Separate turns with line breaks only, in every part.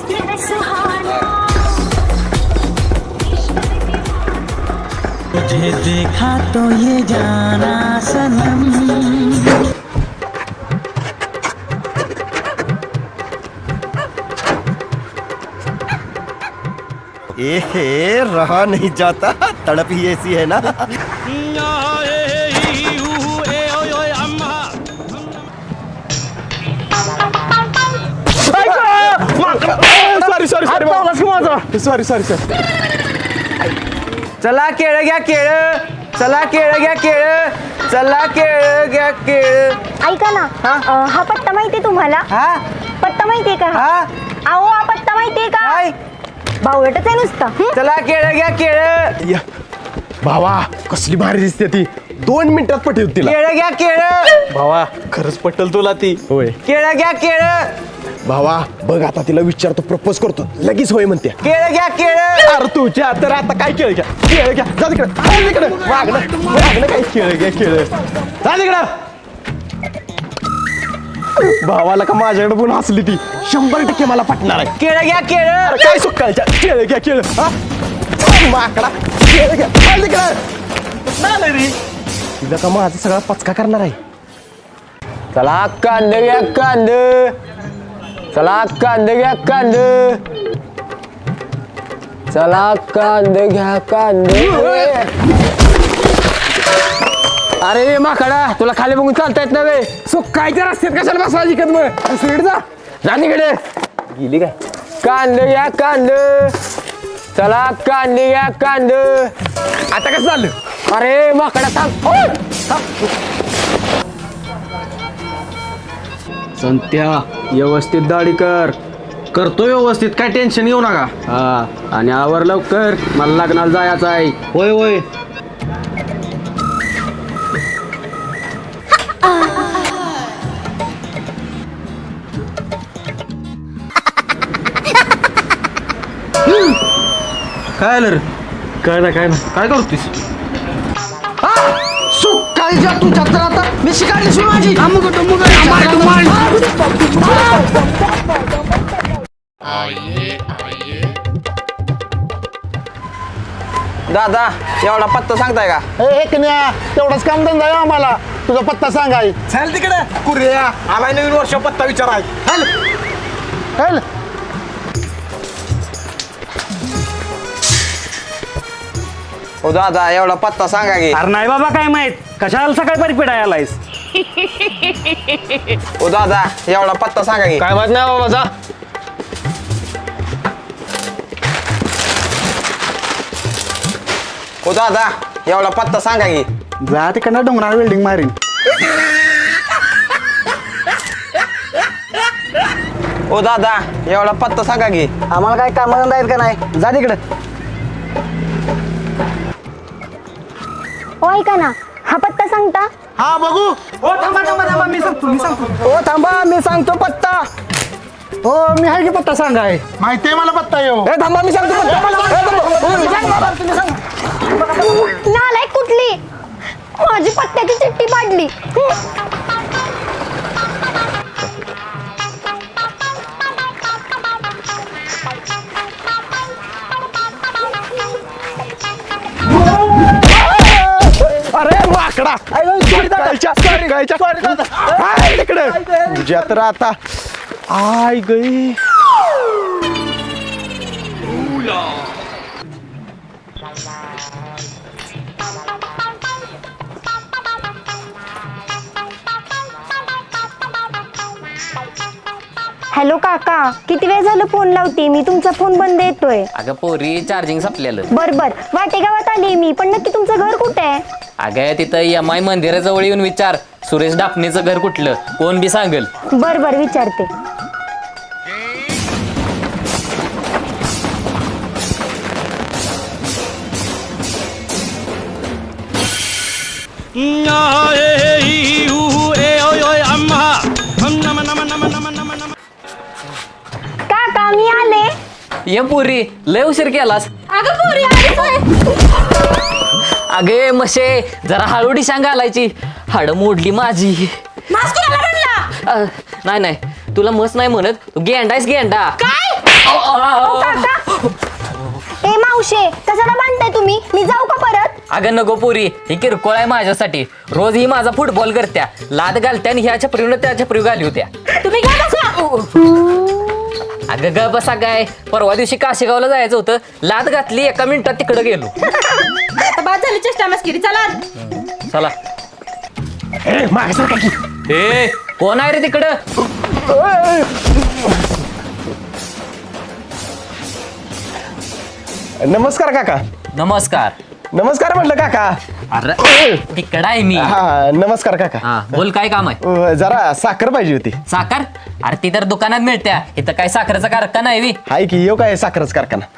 तुझे देखा तो ये जाना सनम।
ए रहा नहीं जाता, तड़प ही ऐसी है ना।
सॉरी चला केळ घ्या केळ, चला केळ घ्या केळ, चला केळ घ्या केळ.
ऐका ना, हा पत्ता माहितीये तुम्हाला?
हा
पत्ता माहितीये का?
हा
अहो हा पत्ता माहितीये का?
काय
बावळटच आहे नुसतं.
चला केळ घ्या केळ,
या भावा कसली भारी दिसते ती, 2 मिनिटात पटेल तिला.
केळ घ्या केळ,
भावा खरंच पटेल तुला ती. होय
केळ घ्या केळ,
भावा बघ आता तिला विचारतो, प्रपोज करतो, लगेच होय म्हणते.
केळ घ्या केळ.
अरे तुझ्या तर आता काय केळ घ्या केळ घ्या, जा तिकडे वागणं काय केळ घ्या केळ, जा तिकडं. भावाला का माझ्याकडे पण हसली ती, 100% मला पटणार आहे.
केळ घ्या केळ,
अरे काय सुकायच्या केळ घ्या केळ, हा माकडा केळ घ्या, जा तिकडे रे. तिला का माझा सगळा पचका करणार आहे.
चला कांद घ्या कांद, चला कांद घ्या कांद, चला कांद घ्या कांद. अरे माकडा, तुला खाली बघून चालता येत नव्हे. सुकायच्या रस्त्यात कशाला बसवायची कद मग, स्वीट जा राणीकडे गेली काय. कांद घ्या कांद, चला कांद घ्या कांद.
आता कसं झालं?
अरे माकडा थांब.
संत्या व्यवस्थित दाढी कर. करतो व्यवस्थित, काय टेन्शन घेऊ नका. हा आणि आवर लवकर, मला लग्नाला जायचं आहे. होय होय. काय आलं रे? काय ना काय करतोस?
सुकायच्या तुझ्या तर आता मी शिकायली माझी. दादा एवढा पत्ता सांगताय का?
तेवढाच काम धंदा आहे आम्हाला, तुझा पत्ता सांगाय.
चल तिकडे कुर्या, आलाय नवीन वर्ष पत्ता विचाराय.
चल
ओ दादा एवढा पत्ता सांगा की.
अरे नाही बाबा काय माहित, कशाला सकाळी परिपेड आलायस?
ओ दादा एवढा पत्ता सांगा की.
काय माहित नाही बाबा, जा.
ओ दादा एवढा पत्ता सांगा की.
जा तिकडनं डोंगरावर बिल्डिंग मारीन.
ओ दादा एवढा पत्ता सांगा की.
आम्हाला काय कामधंदा आहेत का नाही, जा तिकडं.
हो ऐका ना, हा पत्ता सांगता?
हा बघू.
हो थांबा मी सांगतो.
ओ थांबा मी सांगतो पत्ता.
हो मी आहे की पत्ता सांगाय.
माहितीये मला पत्ता येऊ.
ए थांबा मी सांगतो
नालायक कुठली, माझी पत्त्याची चिठ्ठी पाडली.
अरे माकडा, तिकडे तुझ्या तर आता आय गई.
हॅलो काका, किती वेळ झालं फोन लावते मी, तुमचा फोन बंद येतोय.
अगं पोरी चार्जिंग संपलेलं.
बर वाटे गावात आली मी, पण नक्की तुमचं घर कुठे आहे?
अगं तिथं यमाई मंदिराजवळ येऊन विचार, सुरेश डापणीचं घर कुठलं, कोण बी सांगल.
बर विचारते. काका मी आले.
ये पोरी लय उशीर केलास. अगे मशे जरा हळूडी सांग घालायची, हाड मोडली माझी. नाही तुला मस नाही म्हणत, तू गेंडायस गेंडा.
ए मावशे कशाला बांधताय तुम्ही? मी जाऊ का परत?
अगं नको पोरी, ही किरकोळ आहे माझ्यासाठी. रोज ही माझा फुटबॉल करत्या, लाद घालत्या आणि ह्या छपरीनं त्या छपरी घाली होत्या.
तुम्ही घ्या बसा.
अगं ग बसा काय, परवा दिवशी काशेगावला जायचं होतं, लाद घातली, एका मिनिटात तिकडे गेलो.
आता बाद झाली चेष्टा मस्किरी. चला
चला.
मागे सरका की.
ए कोण आहे रे तिकडं?
नमस्कार काका.
नमस्कार.
नमस्कार म्हटलं काका.
अरे तिकडं आहे मी.
हा नमस्कार काका.
हा बोल, काय काम आहे?
जरा साखर पाहिजे होती.
साखर? अरे ती तर दुकानात मिळत्या, इथं काय साखरेचा कारखाना आहे.
हाय की येऊ काय साखरच कारखाना.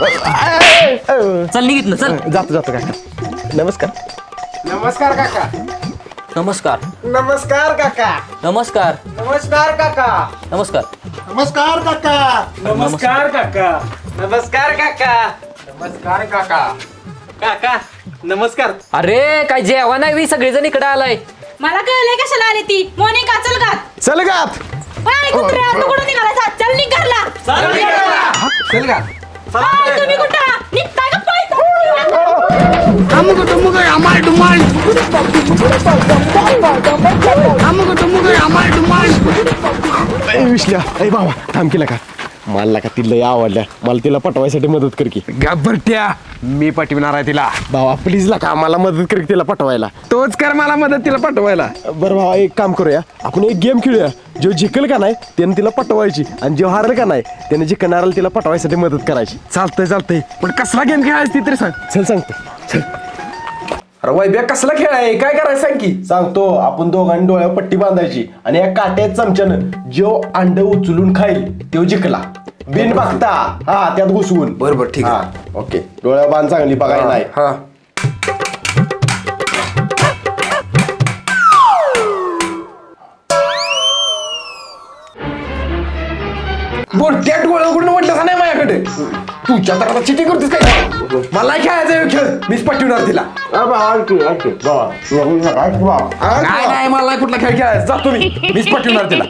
चल निघित ना, चल.
जातो काका. नमस्कार.
नमस्कार काका.
नमस्कार.
नमस्कार काका.
नमस्कार.
नमस्कार काका.
नमस्कार.
नमस्कार काका.
नमस्कार काका. नमस्कार काका. नमस्कार काका. काका नमस्कार.
अरे काय जेवण आहे बी, सगळेजण इकडे आलाय.
मला कळलंय कशाला आली ती. मोनिका चल घात.
चल गात.
बाय कुत्र्या, तू कुठं निघाला? चल निघ घरला.
चल का.
बाय, तुम्ही कुठं निघताय का पळताय?
विसल्या ए बाबा थांब केला का. मला का तिला लय आवडल्या, मला तिला पटवायसाठी मदत कर की.
घाबरट्या, मी पटविणार आहे तिला.
बाबा प्लीज ला का मला मदत कर की तिला पटवायला.
तोच कर मला मदत तिला पटवायला.
बरं भावा एक काम करूया, आपण एक गेम खेळूया. जो जिंकल का नाही त्याने तिला पटवायची, आणि जो हारल का नाही त्याने जिंकणाऱ्याला तिला पटवायसाठी मदत करायची.
चालतंय पण कसला गेम खेळायची ती तरी सांग.
चल सांगतो. चल
अरे वैभ्या कसला खेळ आहे, काय करायचं सांग की.
सांगतो. आपण दोघांनी डोळ्यावर पट्टी बांधायची आणि या काट्यात चमच्यानं जो अंड उचलून खाईल तो जिंकला. बिन बघता हा त्यात घुसवून.
बरोबर, ठीक आहे.
हा, ओके. डोळ्या बांध चांगली बघायला नाही.
हा. बोलत्या डोळ्या उघडून म्हटलं नाही माझ्याकडे. तुझ्या तर आता चिटिंग करतेस काय? मला खेळायचा आहे खेळ, मीच पटवणार तिला. नाही मला कुठला खेळ खेळायचा. जातो मीच पटवणार तिला.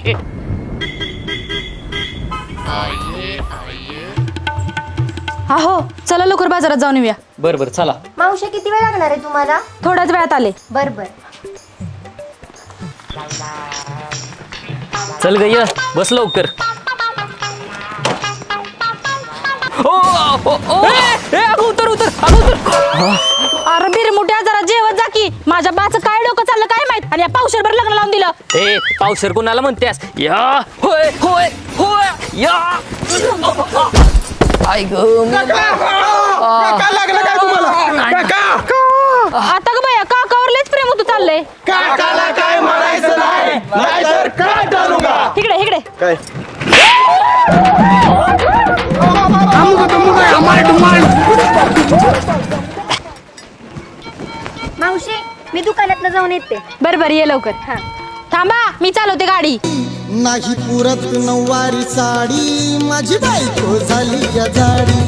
हा हो, चला लवकर बाजारात जाऊन येऊया.
बर बर चला.
मावशे किती वेळ लागणार आहे तुम्हाला?
थोड्याच वेळात आले.
बर बर.
चल गय बस लवकर. ओ, ओ, ओ, ए, अगं उतर उतर, अगं उतर.
अरे बिरमुट्या, जरा जेवत जा की. माझ्या बाचं काय डोकं चाललं काय माहित, आणि या पावशेरभर लग्न लावून दिलं.
ए पावसर कोणाला म्हणतेस? या होय होय होय या. आई ग
काय लागलं काय तुम्हाला? काका
आता ग बया, काकावरलेच प्रेम होतं चाललंय.
काकाला काय म्हणायचं नाही, नाहीतर काय टाळू का.
इकडे इकडे.
काय
मावशे मी दुकानात जाऊन येते.
बर बर, ये लवकर.
हा.
थांबा, मी चालवते गाडी.
नाही पुरत नऊवारी साडी, माझी बायको झाली या जाडी.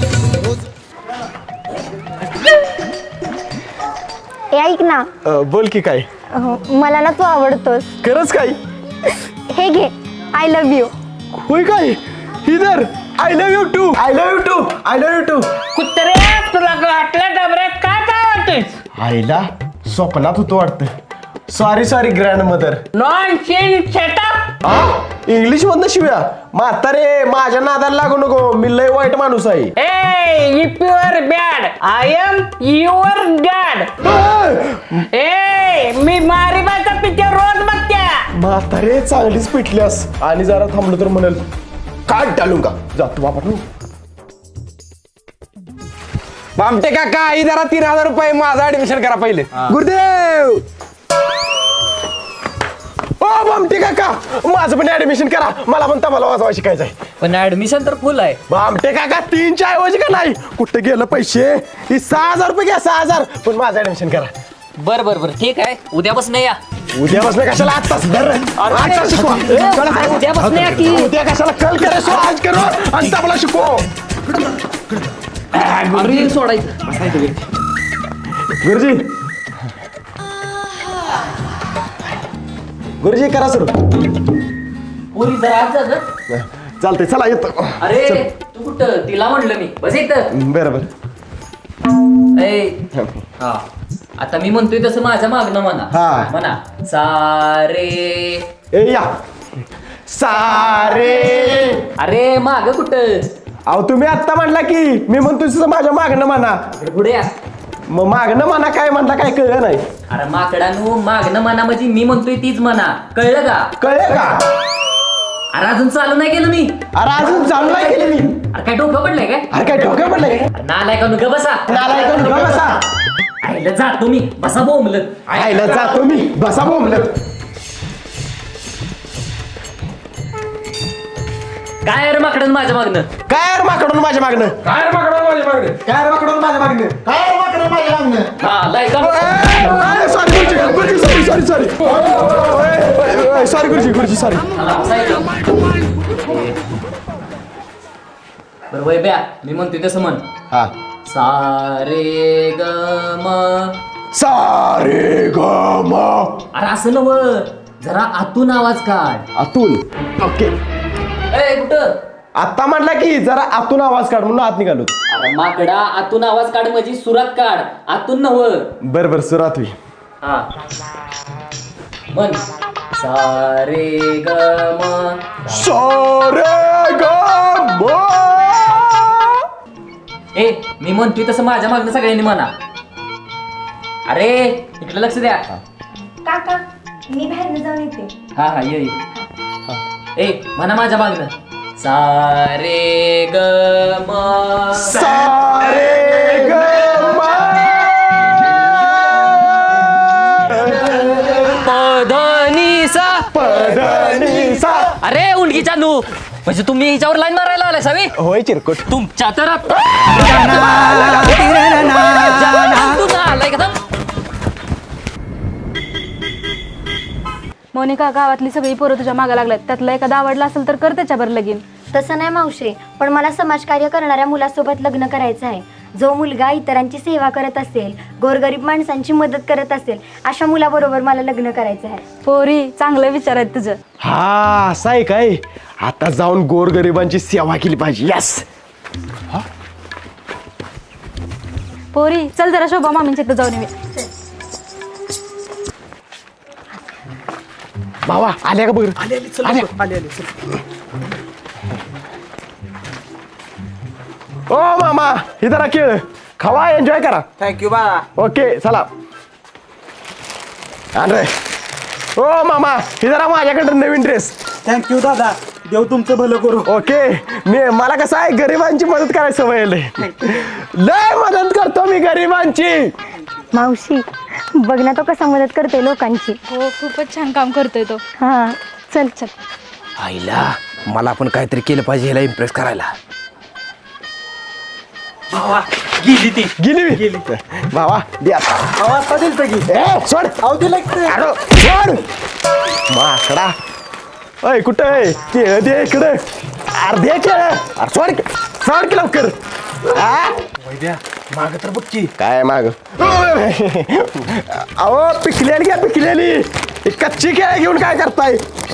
ए ऐक ना.
बोल की काय.
मला ना तू आवडतोस.
खरंच काय.
हे घे, आय लव्ह यू.
होय काय. इधर I love you too. I love you too. I love you too.
कुत्रे तुला वाटलं डबऱ्यात काय काय वाटतंय?
आईला स्वप्नात होतो वाटतं. Sorry grandmother.
Nonsense setup.
English मधनं शिव्या. म्हातारे माझ्या नादाला लागू नको, मी लय वाईट माणूस आहे.
ए if you are bad I am your dad. ए मी मारीबाचा पिक्चर रोज बघत्या.
म्हातारे चांगलीच पिटल्यास, आणि जरा थांबलो तर म्हणेल काय टाळू का. जातो बापा.
बामटे काका, आई जरा 3000 रुपये माझं ऍडमिशन करा पहिले. गुरुदेव.
ओ बामटे काका, माझं पण ऍडमिशन करा, मला पण तबला वाजवा शिकायचं आहे.
पण ऍडमिशन तर फुल आहे.
बामटे काका 3च्या ऐवजी का नाही, कुठे गेलं पैसे. ही 6000 रुपये घ्या, 6000. पण माझं ऍडमिशन करा.
बर बर बर ठीक आहे, उद्यापासून या.
उद्या बसलं कशाला, आत्ताच धर. आजचा शिकवा.
उद्यापासून या की.
उद्या कशाला, कल करे सो आज करो आणि तबला शिकव.
अरे सोडायचं.
गुरुजी गुरुजी करा सुरू.
पोरी जरा आज जा गं.
चालतंय चला येतो
अरे तू कुठं तिला म्हणलं मी बस इथं
बरं बरं
ए हा आता मी म्हणतोय तसं माझ्या मागणं म्हणा
हा.
म्हणा सारे
ए या सारे
अरे माग कुठं
अहो तुम्ही आत्ता म्हणला की मी म्हणतो तसं माझ्या मागणं म्हणा
इकडे पुढे या
मग मागणं म्हणा काय म्हणता काय कळलं नाही
अरे माकडानू मागणं म्हणा म्हणजे मी म्हणतोय तीच म्हणा कळलं का
कळलं का
अरे अजून चालू नाही केलं मी
अरे अजून चालू नाही केली मी
अरे काय डोकं पडलंय काय
अरे काय डोकं पडलंय
अरे नालाय का नुका बसा
नालायक नुका बसा
आईला जातो मी बसा बोंबलत
आयला जातो मी बसा बोंबलत
काय रे माकडन माझ्या मागणं
काय रे माकडून माझ्या मागणं
काय रे माकडं माझ्या मागणे
काय रे माकडून माझ्या मागणं काय रे माकडून माझ्या मागणं
हा लाय का
सॉरी गुरुजी सॉरी सॉरी गुरुजी सॉरी
बरं वय ब्या मी म्हणतोय तसं म्हण
हा
सारे ग म
सारे ग म
अरे असं नव जरा आतून आवाज काढ
अतुल ओके
ए कुठं
आता म्हटला की जरा आतून आवाज काढ म्हणून आत निघालो
अरे माकडा आतून आवाज काढ म्हणजे सुरात काढ आतून नव
बरं बरं सुरात होई
हा म्हण सारे ग म
सारे ग म
ए मी म्हणतोय तसं माझ्या मागणं सगळ्यांनी म्हणा अरे इकडे लक्ष द्या
काका मी बाहेर जाऊन येते
हा हा ये ए म्हणा माझ्या मागणं सारे ग म
सारे ग म
पधनीसा
पदनिसा
अरे उंडकीच्या नू म्हणजे तुम्ही हिच्यावर लाईन मारायला आलाय सावी
होय चिरकुट
तुमच्या तर आलाय का
मोनिका गावातली सगळी पोरं तुझ्या मागा लागल्यात त्यातला एखादा आवडला असेल तर कर त्याच्यावर लगीन
तसं नाही मावशे पण मला समाजकार्य करणाऱ्या मुलासोबत लग्न करायचं आहे जो मुलगा इतरांची सेवा करत असेल गोरगरीब माणसांची मदत करत असेल अशा मुलाबरोबर मला लग्न करायचं आहे
पोरी चांगलं विचार आहेत तुझं
हा असं आहे काय आता जाऊन गोरगरिबांची सेवा केली पाहिजे यस
पोरी चल जरा शोभा मामींच्या इथं जाऊन येऊया
भावा आल्या का बघ ओ मामा ही जरा खेळ खावा एन्जॉय करा
थँक्यू बा
ओके चला अरे ओ मामा ही जरा माझ्याकडे नवीन ड्रेस
थँक्यू दादा देव तुमचं भलं करू
ओके मला कसं आहे गरिबांची मदत करायची सवय लय मदत करतो मी गरिबांची
मावशी बघ ना तो कसा मदत करतोय लोकांची
हो खूपच छान काम करतोय तो
हा चल चल
आईला मला पण काहीतरी केलं पाहिजे ह्याला इम्प्रेस करायला
गेली मी भावा दे आता.
आता दिलं की
ए, सोड
अहो दिलं
अरे, सोड माकडा अय कुठं आहे केळ दे इकडे अर्धे केळ अरे सोड की लवकर
माग तर बघची
काय माग अहो पिकलेली घ्या पिकलेली ही कच्ची केळ घेऊन काय करताय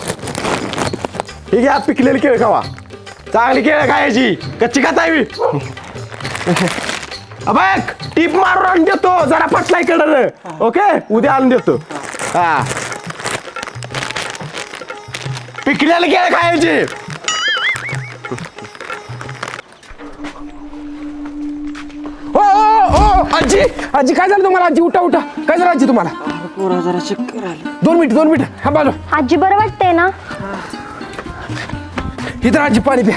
ही घ्या पिकलेली केळ खावा चांगली केळ खायची कच्ची खाताय मी बघ टीप मारून आणून देतो जरा पटला इकडं ओके उद्या आणून देतो हा पिकलेली केळ खायची
ओ ओ ओ आजी आजी काय झालं तुम्हाला आजी उठा उठा काय झालं आजी तुम्हाला
पोरा जरा चक्कर आलं
2 मिनिट हा बाजू
आजी बरं वाटतंय ना
इथं आजी पाणी प्या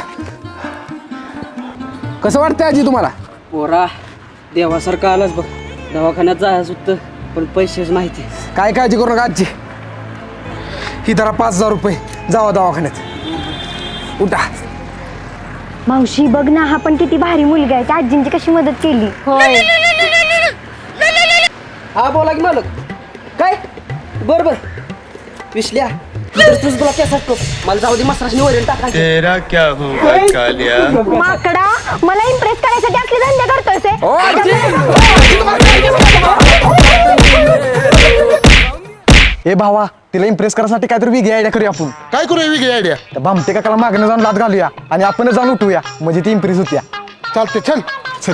कसं वाटतंय आजी तुम्हाला
पोरा देवासारखं आलाच बघ दवाखान्यात जायचं होतं पण पैसेच माहिती
काय काळजी करू नका आजी ही धरा 5,000 रुपये जावा दवाखान्यात उठा
मावशी बघ ना हा पण किती भारी मुलगा आहे त्या आजींची कशी मदत केली
होय
हा बोला की मालक काय बर बर विसल्या तुझं तुला केस असतो मला जाऊ दे मसराशनी वरील टाकायचं
माकडा मला इम्प्रेस करायसाठी असले धंदे करतोय से.
ओ आजी
ए भावा तिला इम्प्रेस करायसाठी काहीतरी वेगळी आयडिया करूया आपण.
काय करूया वेगळी आयडिया?
तर भामटे काकाला मागणं जाऊन लात घालूया आणि आपणच जाऊन उठूया म्हणजे ती इम्प्रेस होत्या.
चालते चल.
चल.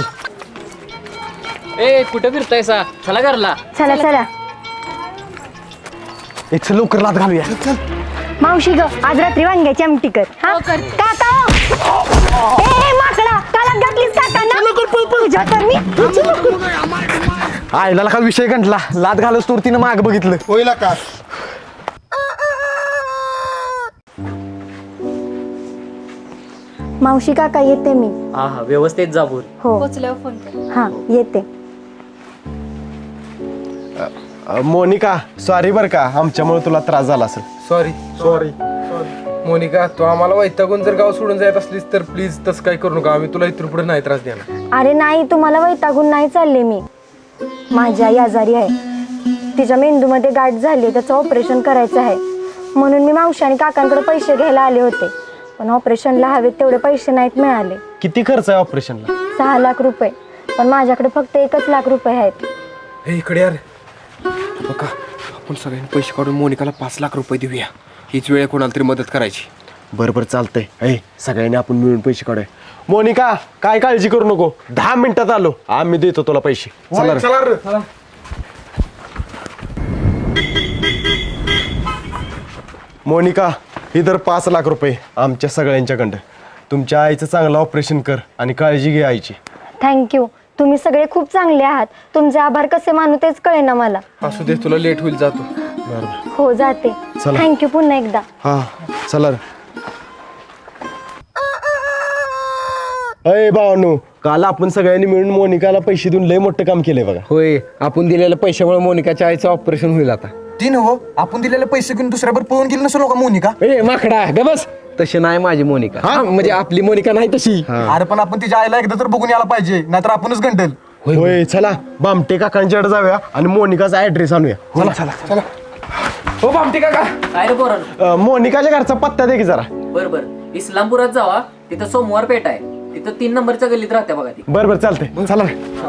ए कुठं फिरतायसा चला घरला.
चला चला.
एक चल लवकर लात घालूया.
मावशी ग आज रात्री वांग्याची आमटी कर. हा काका ए माकडा काला घातलीस काकांना. तुझ्या तर मी
आईला का विषय गंटला लात घालच तोर तिनं माग बघितलं.
होईल का?
मावशी काका येते मी.
हा हा व्यवस्थित जाबूर.
हो
पोचल्यावर फोन कर.
हा येते.
मोनिका सॉरी बर का आमच्यामुळे तुला त्रास झाला असेल.
सॉरी मोनिका तू आम्हाला वैतागून जर गाव सोडून जात असलीस तर प्लीज तसं काय करू नका. आम्ही तुला इथून पुढे नाही त्रास देणार.
अरे नाही तुम्हाला वैतागून नाही चालले मी. माझी आई आजारी आहे. तिच्या मेंदूमध्ये गाठ झाली त्याचं ऑपरेशन करायचं आहे म्हणून मी मावशी आणि काकांकडे पैसे घ्यायला आले होते पण ऑपरेशनला हवेत तेवढे पैसे नाहीत मिळाले.
किती खर्च आहे ऑपरेशनला?
6 लाख रुपये पण माझ्याकडे फक्त 1 लाख रुपये आहेत.
हे इकडे यार बघा आपण सगळ्यांनी पैसे काढून मोनिकाला 5 लाख रुपये देऊया. हीच वेळ कोणाला तरी मदत करायची.
बरोबर चालतंय. ऐ सगळ्यांनी आपण मिळून पैसे काढूया. मोनिका काय काळजी करू नको 10 मिनिटात आलो आम्ही देतो तुला पैसे. चला रे. मोनिका इधर 5 लाख रुपये आमच्या सगळ्यांच्याकडं. तुमच्या आईचं चांगलं ऑपरेशन कर आणि काळजी घे आईची.
थँक्यू तुम्ही सगळे खूप चांगले आहात. तुमचे आभार कसे मानू तेच कळेना मला.
असू दे तुला लेट होईल जातो.
हो जाते.
चला.
थँक्यू पुन्हा एकदा.
हा चला रे. अय भावानू काल आपण सगळ्यांनी मिळून मोनिकाला पैसे देऊन लय मोठं काम केलंय बघा.
होय आपण दिलेल्या पैशामुळे मोनिकाच्या आईचं ऑपरेशन होईल आता.
तीन हो आपण दिलेले पैसे घेऊन दुसऱ्यावर पळून गेली नसलो का मोनिका?
ए माकडा ग बस तशी नाही माझी मोनिका. म्हणजे आपली मोनिका नाही तशी.
अरे पण आपण तिच्या आईला एकदा तर बघून यायला पाहिजे नाहीतर आपणच गंटल. होय चला बामटे काकांच्याकडे जाऊया आणि मोनिकाचा ऍड्रेस आणूया. चला.
हो बामटे काका
काय रे पोरांनो.
मोनिकाच्या घरचा पत्ता दे की जरा.
बर इस्लामपुरात जावा तिथं सोमवार पेठ आहे तिथं 3 नंबरच्या गल्लीत राहते बघा ती.
बरं चालतंय. चला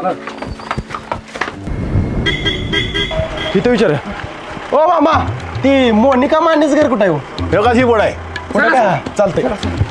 तिथं विचार. ओ मामा ती मोनिका मानेच घर कुठं आहे हो? का ही बोर्ड आहे कुठं काय? चालतंय.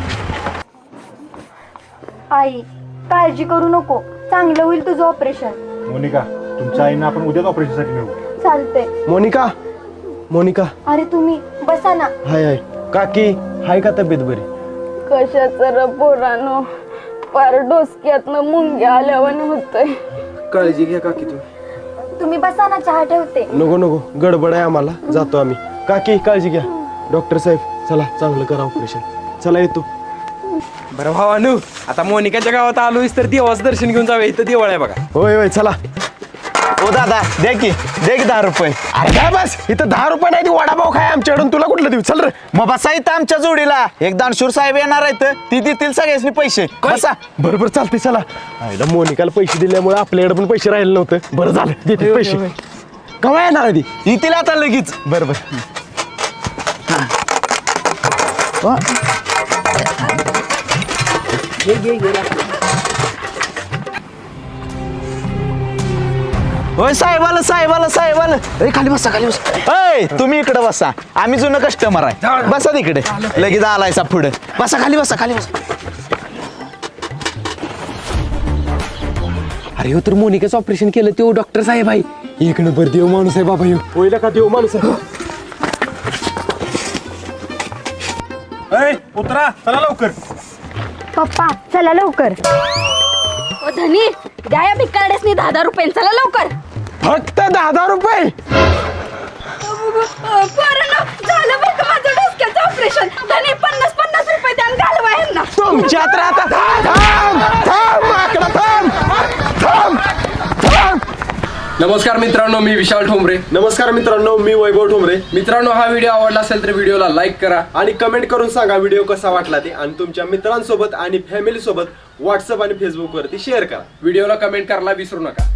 आई काळजी करू नको चांगलं होईल तुझं ऑपरेशन.
मोनिका तुमच्या आईनं आपण उद्याच ऑपरेशनसाठी नेऊ.
चालतंय.
मोनिका
अरे तुम्ही बसा ना.
हाय काकी हाय का तब्येत बरी?
कशाचं र पोरानो पार डोसक्यातनं मुंग्या आल्यावर होतंय.
काळजी घ्या काकी तू.
तुम्ही बसा ना चहा ठेवते.
नको गडबड आहे आम्हाला जातो आम्ही. काकी काळजी घ्या. डॉक्टर साहेब चला चांगलं करा ऑपरेशन. चला येतो.
बरं भावानू आता मोनिकाच्या गावात आलोयस तर देवाचं दर्शन घेऊन जाऊया. इथं देवळ आहे बघा.
होय चला. ओ दादा दे की 10 रुपये. अरे काय बस इथं 10 रुपये नाही ती वडापाव खाय आमच्याकडून तुला कुठलं देऊ? चल रे.
मग बसा इथं आमच्या जोडीला एक दानशूर साहेब येणार आहेत ती देतील सगळ्यांनी पैसे. बसा.
बरोबर चालते चला. आईला मोनिकाला पैसे दिल्यामुळे आपल्याकडे पण पैसे राहिले नव्हते. बरं झालं देते पैसे. केव्हा येणार आहे ती?
येतील आता लगेच.
बरोबर.
होय साहेब आलं. खाली बसा. अय तुम्ही इकडे बसा आम्ही जुनं कस्टमर आहे. बसा तिकडे लगेच आलायचा पुढे. बसा खाली बसा.
अरे हो तर मोनिकाचं ऑपरेशन केलं तो डॉक्टर साहेब आहे. एक नंबर देव माणूस आहे बाबा.
होईल का देव माणूस आहे.
उतरा चला लवकर.
पप्पा चला लवकर.
ओ धनी द्या या भिकारडेसनी 10 रुपये. चला लवकर.
फक्त 10 रुपये.
पोरांनो झालं बरं का माझं डोसक्याचं ऑपरेशन. धनी 50 रुपये द्या आणि घालवा ह्यांना.
तुमच्यात राहता. थांब माकडा थांब.
नमस्कार मित्रांनो मी विशाल ठोंबरे.
नमस्कार मित्रांनो मी वैभव ठोंबरे.
मित्रांनो हा व्हिडिओ आवडला असेल तर व्हिडिओला लाईक करा
आणि कमेंट करून सांगा व्हिडिओ कसा वाटला ते आणि तुमच्या मित्रांसोबत आणि फॅमिली सोबत व्हॉट्सअप आणि फेसबुक वरती शेअर करा.
व्हिडिओला कमेंट करायला विसरू नका.